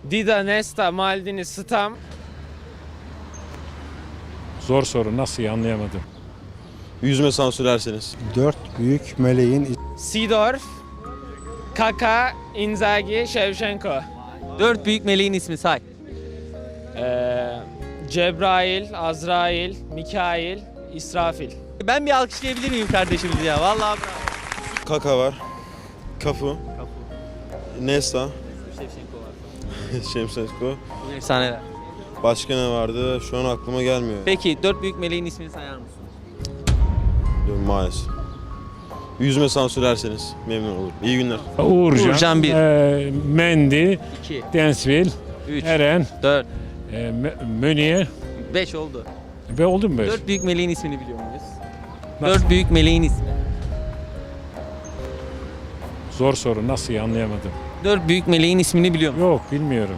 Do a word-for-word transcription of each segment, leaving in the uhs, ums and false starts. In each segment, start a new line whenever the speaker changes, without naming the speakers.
Dida, Nesta, Maldini, Stam.
Zor soru, nasıl anlayamadım.
Yüzme sansürlerseniz.
Dört büyük meleğin
Seedorf, Kaka, Inzaghi, Shevchenko.
Dört büyük meleğin ismi say.
Ee, Cebrail, Azrail, Mikail, İsrafil.
Ben bir alkışlayabilir miyim kardeşimizi ya? Vallahi bravo.
Kaka var. Kafu. Nesta.
Şevşenko var.
Şemsenko.
Bu efsaneler.
Başka ne vardı? Şu an aklıma gelmiyor.
Peki dört büyük meleğin ismini sayar mısın?
Maalesef. Yüzme sansürlerseniz memnun olurum. İyi günler.
Uğurcan,
Uğurcan bir.
e, Mendy,
iki,
Densville,
üç,
Eren,
dört,
e, M- Meunier
beş oldu.
ve oldu mu beş?
Dört büyük meleğin ismini biliyor muyuz?
Nasıl?
Dört büyük meleğin ismi.
Zor soru, nasıl anlayamadım.
Dört büyük meleğin ismini biliyor musun?
Yok, bilmiyorum.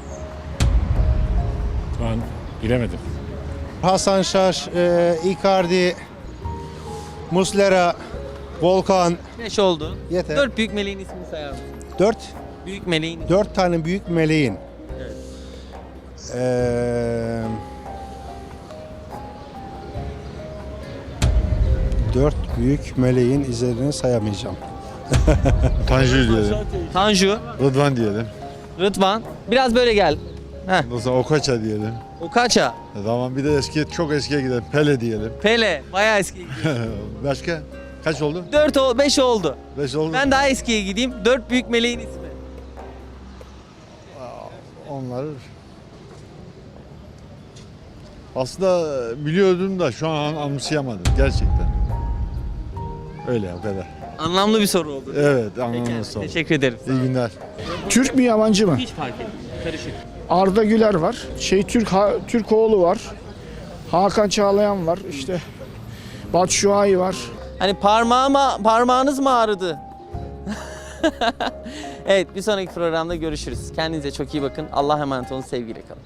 Şu an bilemedim.
Hasan Şaş, e, Icardi, Muslera, Volkan.
Beş oldu.
Yeter.
Dört büyük meleğin ismini sayar mısın?
Dört,
Büyük meleğin ismi.
dört tane büyük meleğin.
Evet.
Ee, dört büyük meleğin izlerini sayamayacağım.
Tanju diyelim.
Tanju,
Rıdvan diyelim.
Rıdvan. Biraz böyle gel. Heh.
Ondan sonra Okocha diyelim.
Okaça,
E tamam bir de eski çok eskiye gidelim. Pele diyelim.
Pele. Bayağı eski.
Başka? Kaç oldu?
Dört, o, beş oldu.
Beş oldu.
Ben daha eskiye gideyim. Dört büyük meleğin ismi.
Onları aslında biliyordum da şu an anımsayamadım gerçekten. Öyle o kadar.
Anlamlı bir soru oldu.
Evet
Peki,
anlamlı soru.
teşekkür ederim.
İyi günler.
Türk mü yabancı mı?
Hiç fark etmiyor. Karışık.
Arda Güler var. Şey Türk ha, Türkoğlu var. Hakan Çağlayan var. İşte Batshuayi var.
Hani parmağıma, parmağınız mı ağrıdı? Evet, bir sonraki programda görüşürüz. Kendinize çok iyi bakın. Allah'a emanet olun. Sevgiyle kalın.